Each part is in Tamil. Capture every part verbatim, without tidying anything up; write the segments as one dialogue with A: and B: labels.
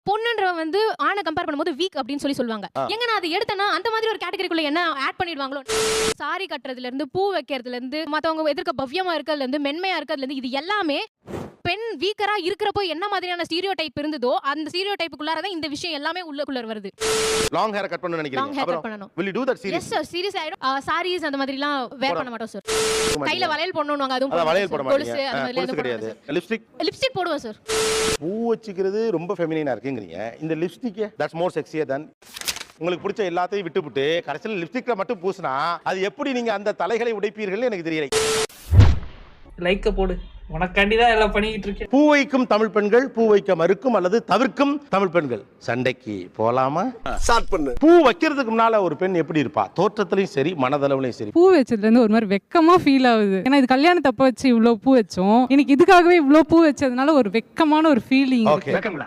A: பொண்ணுன்ற வந்து ஆணை கம்பேர் பண்ணும்போது வீக் அப்படின்னு சொல்லி சொல்லுவாங்க. எங்க நான் அதை எடுத்தேன்னா அந்த மாதிரி ஒரு கேட்டகரிக்குள்ள என்ன ஆட் பண்ணிடுவாங்களோ. சாரி கட்டுறதுல இருந்து பூ வைக்கிறதுல இருந்து மத்தவங்க எதிர்க்க பவ்யமா இருக்கிறதுல இருந்து மென்மையா இருக்கிறதுல இருந்து இது எல்லாமே பெண் வீக்கரா இருக்கிறப்போ என்ன மாதிரியான ஸ்டீரியோ டைப் இருந்ததோ அந்த ஸ்டீரியோ டைப்புக்குள்ளார தான் இந்த விஷயம் எல்லாமே உள்ளுக்குள்ள வருது.
B: லாங் ஹேர் கட் பண்ணனும் நினைக்கிறீங்க.
A: லாங் ஹேர் கட் பண்ணனும்.
B: will you do that serious?
A: yes sir serious ஆயிடும். சாரீஸ் அந்த மாதிரிலாம் வேர் பண்ண மாட்டோம் சார். கையில வளையல் போடணும்வாங்க அதுவும்
B: அத வளையல் போட மாட்டீங்க.
A: கொலுசு அந்த மாதிரி எல்லாம்
B: கிடையாது. லிப்ஸ்டிக்
A: லிப்ஸ்டிக் போடுவோம் சார்.
B: பூ வச்சிக்கிறது ரொம்ப ஃபெமினினா இருக்குங்கறீங்க. இந்த lipstick that's more sexier than உங்களுக்கு பிடிச்ச எல்லாத்தையும் விட்டுவிட்டு கடைசில லிப்ஸ்டிக்ல மட்டும் பூசினா அது எப்படி நீங்க அந்த தலைகளை உடைப்பீர்கள் எனக்கு தெரியல.
C: லைக்க போடு. உனக்காண்டி தான் எல்லாம் பண்ணிட்டு இருக்கேன்.
B: பூ வைக்கும் தமிழ் பெண்கள், பூ வைக்க மறுக்கும் அல்லது தவிர்க்கும் தமிழ் பெண்கள் சண்டைக்கு போலாமா? ஸ்டார்ட் பண்ணு. பூ வைக்கிறதுக்கு முன்னால ஒரு பெண் எப்படி இருப்பா? தோற்றத்திலயும் சரி மனதளவுலயும் சரி.
D: பூ வச்சதுல இருந்து ஒரு மாதிரி வெக்கமா ஃபீல் ஆகுது. ஏன்னா இது கல்யாணத்தப்ப வச்சு இவ்வளவு பூ வச்சோம். எனக்கு இதுக்காகவே இவ்வளவு பூ வச்சதுனால ஒரு வெக்கமான ஒரு ஃபீலிங் இருக்கு.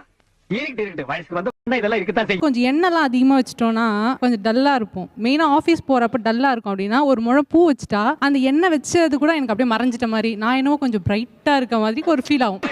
D: கொஞ்சம் எண்ணெய்லாம் அதிகமா வச்சிட்டோம்னா கொஞ்சம் டல்லா இருப்போம். மெயினா ஆபீஸ் போறப்ப டல்லா இருக்கும். அப்படின்னா ஒரு முழம் பூ வச்சுட்டா அந்த எண்ணெய் வச்சது கூட எனக்கு அப்படியே மறைஞ்சிட்ட மாதிரி நான் என்னவோ கொஞ்சம் பிரைட்டா இருக்க மாதிரி ஒரு ஃபீல் ஆகும்.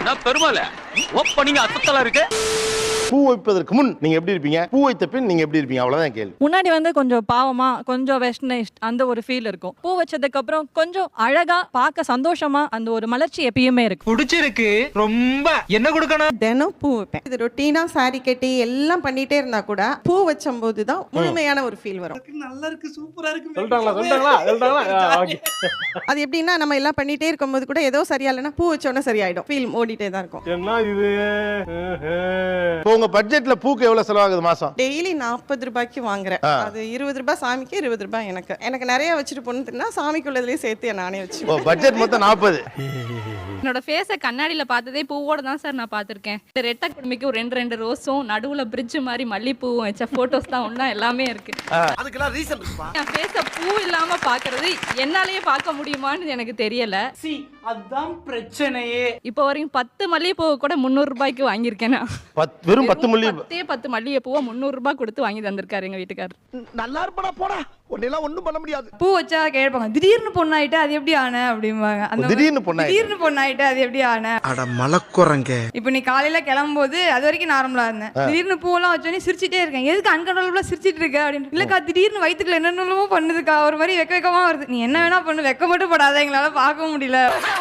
B: பூ வைப்பதற்கு முன் நீங்க எப்படி இருப்பீங்க? பூ வைத்த பின் நீங்க எப்படி இருப்பீங்க? அவ்வளவுதான் கேள்வி.
E: முன்னாடி வந்து கொஞ்சம் பாவமா கொஞ்சம் வெஸ்டர்னைஸ்ட் அந்த ஒரு ஃபீல் இருக்கும். பூ வச்சதுக்கு அப்புறம் கொஞ்சம் அழகா பார்க்க சந்தோஷமா அந்த ஒரு மலர்ச்சி எப்பயுமே இருக்கு.
C: பிடிச்சிருக்கு ரொம்ப. என்ன கொடுக்கணும்?
F: தினம் பூ வைப்பேன். இது ரொட்டீனா சாரி கட்டி எல்லாம் பண்ணிட்டே இருந்தா கூட பூ வச்சும் போது தான் முழுமையான ஒரு ஃபீல் வரும்.
C: நல்லா இருக்கு, சூப்பரா இருக்கு.
B: சொல்றாங்களா சொல்றாங்களா சொல்றாங்களா?
F: அது எப்படின்னா நம்ம எல்லாம் பண்ணிட்டே இருக்கும்போது கூட ஏதோ சரியா இல்லைன்னா பூ வச்சோன்னா சரியாயிடும். ஃபீல் ஓடிட்டே தான் இருக்கும்.
B: என்ன இது? உங்க பட்ஜெட்ல பூக்கு எவ்வளவு செலவாகுது மாசம்?
F: டெய்லி நாற்பது ரூபாய்க்கு வாங்குறேன். அது இருபது ரூபாய் சாமிக்கு, இருபது ரூபாய் எனக்கு. எனக்கு நிறைய வச்சுட்டு போனா சாமிக்குள்ளதுலயே சேர்த்து நானே வச்சு.
B: பட்ஜெட் மொத்தம் நாற்பது.
G: என்னோட ஃபேஸை கண்ணாடியில் பார்த்ததே பூவோட தான் சார் நான் பார்த்துருக்கேன். ரெட்டை குடும்பிக்கு ஒரு ரெண்டு ரெண்டு ரோஸும் நடுவில் பிரிட்ஜ் மாதிரி மல்லிப்பூவும் வச்ச ஃபோட்டோஸ் தான் ஒன்றா எல்லாமே இருக்கு.
B: அதுக்கெல்லாம் ரீசன் இருக்குப்பா.
G: என் ஃபேஸை பூ இல்லாமல் பார்க்கறது என்னாலேயே பார்க்க முடியுமான்னு எனக்கு தெரியல.
C: சி அதான் பிரச்சனையே.
G: இப்போ வரைக்கும் பத்து மல்லிகைப்பூ கூட முந்நூறு ரூபாய்க்கு வாங்கியிருக்கேன் நான்.
B: வெறும் பத்து மல்லி
G: பத்தே பத்து மல்லிகைப்பூவை முந்நூறு ரூபாய் கொடுத்து வாங்கி தந்திருக்காரு எங்க வீட்டுக்காரர்.
B: நல்லா இருப்படா போடா. ஒன்னெல்லாம் ஒண்ணும் பண்ண முடியாது.
H: பூ வச்சா கேட்பாங்க திடீர்னு பொண்ணாயிட்டு அது எப்படி ஆன அப்படிம்பாங்க. அந்த
B: திடீர்னு பொண்ணாயிட்டு
H: திடீர்னு பொண்ணாயிட்டு அது எப்படி ஆன?
I: அட மலக்குறங்க.
H: இப்போ நீ காலையில கிளம்பும்போது அது வரைக்கும் நார்மலா இருந்தேன். திடீர்னு பூவெல்லாம் வச்சோன்னே சிரிச்சிட்டே இருக்கேன். எதுக்கு அன்கண்ட்ரோலபிளா சிரிச்சிட்டு இருக்க அப்படின்னு. இல்லக்கா திடீர்னு வயிற்றுக்குள்ள என்னென்னமோ பண்ணுதுக்கா, ஒரு மாதிரி வெக்க வெக்கமா வருது. நீ என்ன வேணா பண்ணு, வெக்க மட்டும் படாத, எங்களால பார்க்க முடியல.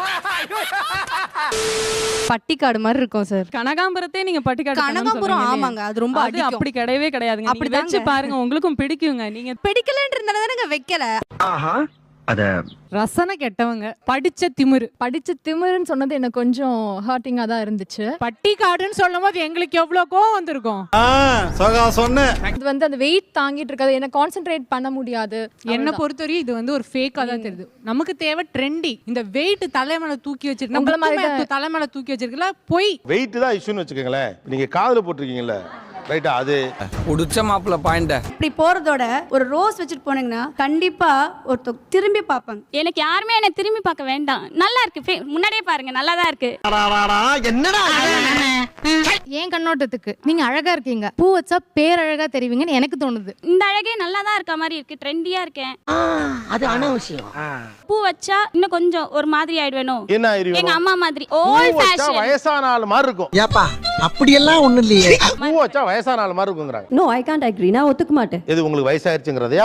J: பட்டிக்காடு மாதிரி இருக்கும் சார்.
D: கனகாம்பரத்தே நீங்க பட்டிக்காடு
J: கனகாம்பரம் ஆமாங்க, அது ரொம்ப
D: அது அப்படி கிடையவே கிடையாதுங்க. அப்படி வச்சு பாருங்க, உங்களுக்கும் பிடிக்குங்க. நீங்க
J: பிடிக்கலன்றதானங்க வைக்கல.
I: ஆஹா அத
D: ரசனை கெட்டவங்க. படிச்ச திமிரு.
A: படிச்ச திமிருன்னு சொன்னது எனக்கு கொஞ்சம் ஹர்ட்டிங்கா தான் இருந்துச்சு.
D: பட்டிக்காடுன்னு சொல்லும் போது எங்களுக்கு எவ்வளவு கோவம் வந்திருக்கும்.
A: இது வந்து அந்த வெயிட் தாங்கிட்டு இருக்காது, என்ன கான்சென்ட்ரேட் பண்ண முடியாது.
D: என்ன பொறுத்தவரையும் இது வந்து ஒரு ஃபேக்கா தான் தெரியுது. நமக்கு தேவை ட்ரெண்டி. இந்த வெயிட் தலைமையில தூக்கி வச்சிருக்கோம், தலைமையில தூக்கி வச்சிருக்கல பொய்.
B: வெயிட் தான் இஷ்யூன்னு வச்சுக்கோங்களேன். நீங்க காதுல போட்டிருக்கீங்கல்ல, ரைட்டா? அது
I: உடிச்ச மாப்பிள்ள பாயிண்ட்.
J: இப்படி போறதோட ஒரு ரோஸ் வச்சுட்டு போனீங்கன்னா கண்டிப்பா ஒருத்தர் திரும்பி பார்ப்பாங்க.
G: எனக்கு யாருமே என்ன திரும்பி பார்க்க வேண்டாம். நல்லா இருக்கு, முன்னாடியே பாருங்க, நல்லா தான் இருக்கு.
I: என்னடா
A: ஏன் கண்ணோட்டத்துக்கு நீங்க அழகா இருக்கீங்க, பூ வச்சா பேரழகா தெரிவிங்கன்னு எனக்கு தோணுது.
G: இந்த அழகே நல்லா தான் இருக்க மாதிரி இருக்கு, ட்ரெண்டியா இருக்கேன்.
I: அது அனாவசியம்.
G: பூ வச்சா இன்னும் கொஞ்சம் ஒரு மாதிரி ஆயிடுவேனோ.
B: என்ன ஆயிருவீங்க?
G: எங்க அம்மா மாதிரி ஓல்ட் ஃபேஷன்.
B: வயசான ஆள் மாதிரி இருக்கும்.
I: ஏப்பா அப்படி எல்லாம் ஒண்ணு இல்லையே.
B: பூ வச்சா வயசான ஆள் மாதிரி இருக்குங்கறாங்க.
J: No I can't agree. நான் ஒத்துக்க மாட்டேன்.
B: எது உங்களுக்கு வயசாயிருச்சுங்கறதையா?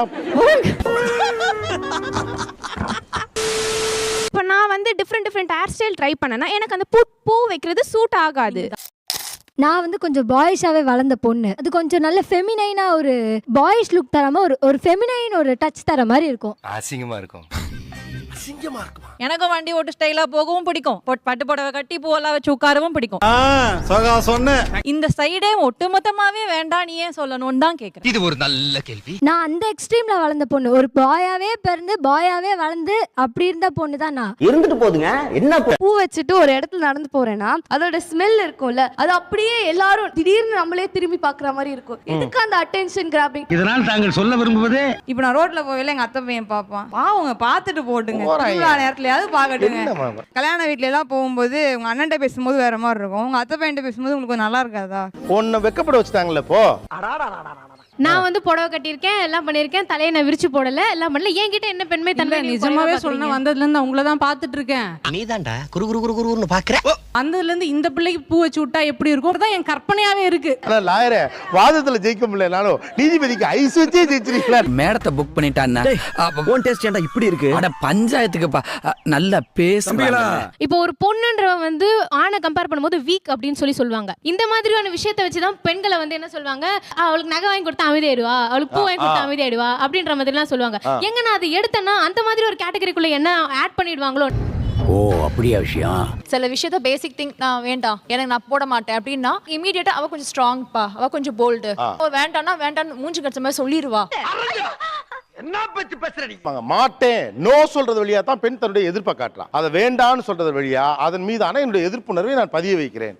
A: இப்போ நான் வந்து different different hair style try பண்ணேன்னா எனக்கு அந்த பூ பூ வைக்கிறது சூட் ஆகாது.
J: நான் வந்து கொஞ்சம் பாய்ஸாவே வளர்ந்த பொண்ணு. அது கொஞ்சம் நல்ல ஃபெமினைனா ஒரு பாய்ஸ் லுக் தராம ஒரு ஒரு ஃபெமினைன் ஒரு டச் தர மாதிரி இருக்கும்.
I: அசிங்கமா இருக்கும்.
B: அசிங்கமா இருக்குமா?
E: எனக்கும் வண்டி ஓட்டு ஸ்டைலா போகவும் பிடிக்கும். பட்டு புடவை கட்டி பூவெல்லாம் வச்சு உட்காரவும் பிடிக்கும். இந்த சைடே ஒட்டுமொத்தமாவே வேண்டாம், நீ ஏன் சொல்லணும்னு தான் கேக்குறேன்.
I: இது ஒரு நல்ல கேள்வி.
J: நான் அந்த எக்ஸ்ட்ரீம்ல வளர்ந்த பொண்ணு. ஒரு பாயாவே பிறந்து பாயாவே வளர்ந்து அப்படி இருந்த பொண்ணு தான் நான்.
I: இருந்துட்டு போதுங்க. என்ன
J: பூ வச்சுட்டு ஒரு இடத்துல நடந்து போறேன்னா அதோட ஸ்மெல் இருக்கும்ல, அது அப்படியே எல்லாரும் திடீர்னு நம்மளே திரும்பி பாக்குற மாதிரி இருக்கும். எதுக்கு அந்த அட்டென்ஷன் கிராபிங்?
I: இதனால் தாங்கள் சொல்ல விரும்புவது,
H: இப்போ நான் ரோட்ல போவேல எங்க அத்தை பையன் பார்ப்பான். பாவங்க பார்த்துட்டு போட்டுங்க, நேரத்துலயாவது பாக்கட்டுங்க. கல்யாண வீட்ல எல்லாம் போகும்போது உங்க அண்ணன்ட்ட பேசும்போது வேற மாதிரி இருக்கும், உங்க அத்தை பையன்ட்ட பேசும்போது உங்களுக்கு நல்லா இருக்காதா?
B: உன்னை வெக்கப்பட வச்சுட்டாங்கல்ல இப்போ.
A: நான் வந்து புடவை கட்டியிருக்கேன், எல்லாம் பண்ணியிருக்கேன், தலையை நான் விரிச்சு போடல, எல்லாம் பண்ணல. என்கிட்ட என்ன பெண்மை தன்மை?
D: நிஜமாவே சொன்ன வந்ததுல இருந்து உங்களை தான் பாத்துட்டு இருக்கேன்.
I: நீதான்டா குரு குரு குரு குருன்னு பாக்குற.
D: வந்ததுல இருந்து இந்த பிள்ளைக்கு பூ வச்சு விட்டா எப்படி இருக்கும் தான் என் கற்பனையாவே இருக்கு.
B: ஆனா லாயரே வாதத்துல ஜெயிக்க முடியலனாலும் நீதிபதிக்கு ஐஸ் வச்சே ஜெயிச்சிருக்கீங்களா?
K: மேடத்தை புக் பண்ணிட்டான்னா ஓன் டேஸ்ட் ஏன்டா இப்படி இருக்கு? அட பஞ்சாயத்துக்குப்பா நல்லா பேசுறீங்களா?
A: இப்போ ஒரு பொண்ணுன்றவ வந்து ஆணை கம்பேர் பண்ணும்போது வீக் அப்படின்னு சொல்லி சொல்லுவாங்க. இந்த மாதிரியான விஷயத்தை வச்சுதான் பெண்களை வந்து என்ன சொல்லுவாங்க, அவளுக்கு நகை வாங்கி கொடுத்தா அமைதியாயிடுவா, அவளுக்கு பூ வாங்கி கொடுத்தா அமைதியாயிடுவா அப்படின்ற மாதிரி எல்லாம் சொல்லுவாங்க. எங்க நான் அதை எடுத்தேன்னா அந்த மாதிரி ஒரு கேட்டகரிக்குள்ள என்ன ஆட் பண்ணிடுவாங்களோ.
K: ஓ அப்படியா விஷயம்?
E: சில விஷயத்த பேசிக் திங் நான் வேண்டாம் எனக்கு நான் போட மாட்டேன் அப்படின்னா இமீடியட்டா அவ கொஞ்சம் ஸ்ட்ராங்ப்பா, அவ கொஞ்சம் போல்டு, வேண்டாம்னா வேண்டாம்னு மூஞ்சி கடிச்ச மாதிரி சொல்லிடுவா.
I: என்ன பத்தி பேசுறீங்க?
B: மாட்டேன் நோ சொல்றது வழியா தான் பெண் தன்னுடைய எதிர்ப்பை காட்டுறான். அதை வேண்டான்னு சொல்றது வழியா அதன் மீதான என்னுடைய எதிர்ப்புணர்வை நான் பதிய வைக்கிறேன்.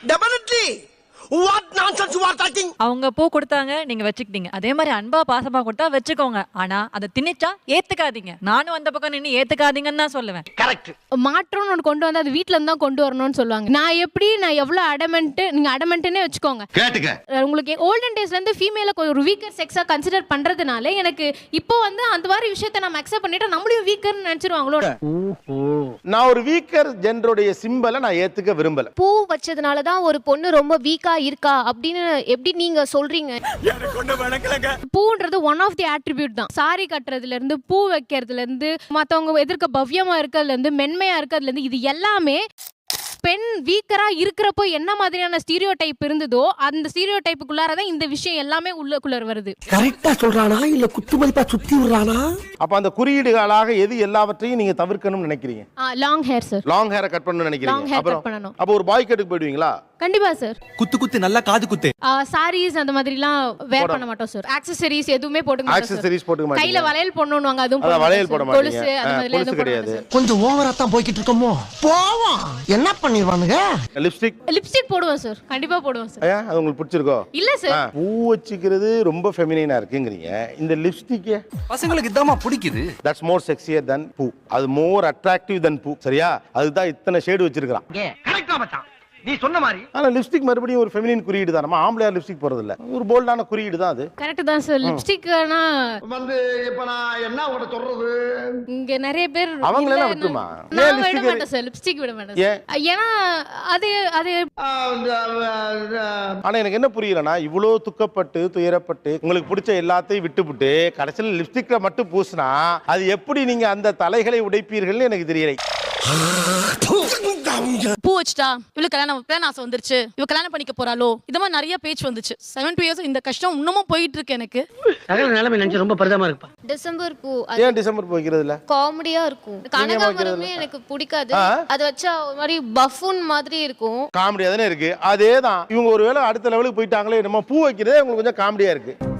I: What nonsense you are talking?
E: அவங்க பூ கொடுத்தாங்க, நீங்க வச்சுக்கிட்டீங்க. அதே மாதிரி அன்பா பாசமா கொடுத்தா வச்சுக்கோங்க. ஆனா அதை திணிச்சா ஏத்துக்காதீங்க. நானும் அந்த பக்கம் நின்று ஏத்துக்காதீங்கன்னு தான் சொல்லுவேன்.
I: கரெக்ட்.
A: மாற்றம்னு ஒன்று கொண்டு வந்து அது வீட்ல இருந்து தான் கொண்டு வரணும்னு சொல்லுவாங்க. நான் எப்படி நான் எவ்வளவு அடமெண்ட், நீங்க அடமெண்ட்னே வச்சுக்கோங்க.
I: கேட்டுக்க.
A: உங்களுக்கு ஓல்டன் டேஸ்ல இருந்து ஃபீமேல ஒரு வீக்கர் செக்ஸா கன்சிடர் பண்றதுனால எனக்கு இப்போ வந்து அந்த மாதிரி விஷயத்தை நம்ம அக்செப்ட் பண்ணிட்டு நம்மளையும் வீக்கர்னு நினைச்சிருவாங்களோ.
B: நான் ஒரு வீக்கர் ஜெண்டருடைய சிம்பலை நான் ஏத்துக்க விரும்பல.
L: பூ வச்சதுனால தான் ஒரு பொண்ணு ரொம்ப வீக்கா இருக்கா அப்படின்னு எப்படி நீங்க சொல்றீங்க?
A: பூன்றது ஒன் ஆஃப் தி அட்ரிபியூட் தான். சாரி கட்டுறதுல இருந்து, பூ வைக்கிறதுல இருந்து, மத்தவங்க எதிர்க்க பவ்யமா இருக்கிறதுல இருந்து, மென்மையா இருக்கிறதுல இருந்து, இது எல்லாமே பெண் வீக்கரா இருக்கிறப்போ என்ன மாதிரியான ஸ்டீரியோ டைப் இருந்ததோ அந்த ஸ்டீரியோ டைப்புக்குள்ளாரதான் இந்த விஷயம் எல்லாமே உள்ளக்குள்ள வருது.
I: கரெக்டா சொல்றானா இல்ல குத்துமதிப்பா சுத்தி விடுறானா?
B: அப்ப அந்த குறியீடுகளாக எது எல்லாவற்றையும் நீங்க தவிர்க்கணும்னு நினைக்கிறீங்க?
A: Long hair sir.
B: லாங் ஹேரை கட் பண்ணணும்னு நினைக்கிறீங்க? அப்புறம் அப்ப ஒரு பாய் கட்டுக்கு போயிடுவீங்களா?
A: கண்டிப்பா சார்.
K: குத்து குத்து நல்லா காது குத்து.
A: சாரீஸ் அந்த மாதிரிலாம் வேர் பண்ண மாட்டோம் சார். ஆக்சஸரீஸ் எதுவுமே போட்டுக்க மாட்டோம்.
B: ஆக்சஸரீஸ் போட்டுக்க மாட்டீங்க.
A: கையில வளையல் போடணும்வாங்க, அதுவும் போட
B: வளையல் போட மாட்டீங்க.
A: கொலுசு அந்த மாதிரி எதுவும்
B: கிடையாது.
I: கொஞ்சம் ஓவரா தான் போய்கிட்டு இருக்கோமோ. போவோம். என்ன பண்ணிடுவானுங்க?
B: லிப்ஸ்டிக்
A: லிப்ஸ்டிக் போடுவோம் சார். கண்டிப்பா போடுவோம் சார்.
B: ஐயா அது உங்களுக்கு பிடிச்சிருக்கோ?
A: இல்ல சார்.
B: பூ வச்சுக்கிறது ரொம்ப ஃபெமினைனா இருக்குங்கறீங்க. இந்த லிப்ஸ்டிக்
K: பசங்களுக்கு இதாமா பிடிக்குது.
B: தட்ஸ் மோர் செக்ஸியர் than பூ. அது மோர் அட்ராக்டிவ் than பூ. சரியா? அதுதான் இத்தனை ஷேட் வச்சிருக்கான்.
I: கரெக்ட்டா மச்சான். நீ சொன்ன மாதிரி.
B: ஆனா லிப்ஸ்டிக் மறுபடியும் ஒரு ஃபெமினின் குறியீடு தான். நம்ம ஆம்பளையார் லிப்ஸ்டிக் போறது இல்ல. ஒரு போல்டான குறியீடு தான் அது.
A: கரெக்ட் தான் சார். லிப்ஸ்டிக்னா
I: வந்து இப்ப நான் என்ன உன்கிட்ட சொல்றது?
A: இங்க நிறைய பேர்
B: அவங்கள எல்லாம் விட்டுமா?
A: நான் விட மாட்டேன் சார். லிப்ஸ்டிக் விட மாட்டேன். ஏன்னா அது அது
B: ஆனா எனக்கு என்ன புரியலனா இவ்ளோ துக்கப்பட்டு துயரப்பட்டு உங்களுக்கு பிடிச்ச எல்லாத்தையும் விட்டுவிட்டு கடைசில லிப்ஸ்டிக்ல மட்டும் பூசினா அது எப்படி நீங்க அந்த தலைகளை உடைப்பீர்கள்னு எனக்கு தெரியல.
M: பூ வச்சுட்டா இவளுக்கு கல்யாணம் பிளான் ஆசை வந்துருச்சு, இவ கல்யாணம் பண்ணிக்க போறாளோ, இது மாதிரி நிறைய பேச்சு வந்துச்சு. செவன் டூ இயர்ஸ் இந்த கஷ்டம் இன்னமும் போயிட்டு இருக்கு எனக்கு.
I: சகல நிலைமை நினைச்சு ரொம்ப பரிதாபமா இருக்குப்பா.
L: டிசம்பர் பூ
B: ஏன் டிசம்பர் பூ வைக்கிறதுல?
L: காமெடியா இருக்கும். கனகாமரமே எனக்கு பிடிக்காது. அது வச்சா ஒரு மாதிரி பஃபூன் மாதிரி இருக்கும்.
B: காமெடியா தானே இருக்கு. அதேதான் இவங்க ஒருவேளை அடுத்த லெவலுக்கு போயிட்டாங்களே, நம்ம பூ வைக்கிறதே உங்களுக்கு கொஞ்சம் காமெடியா இருக்கு.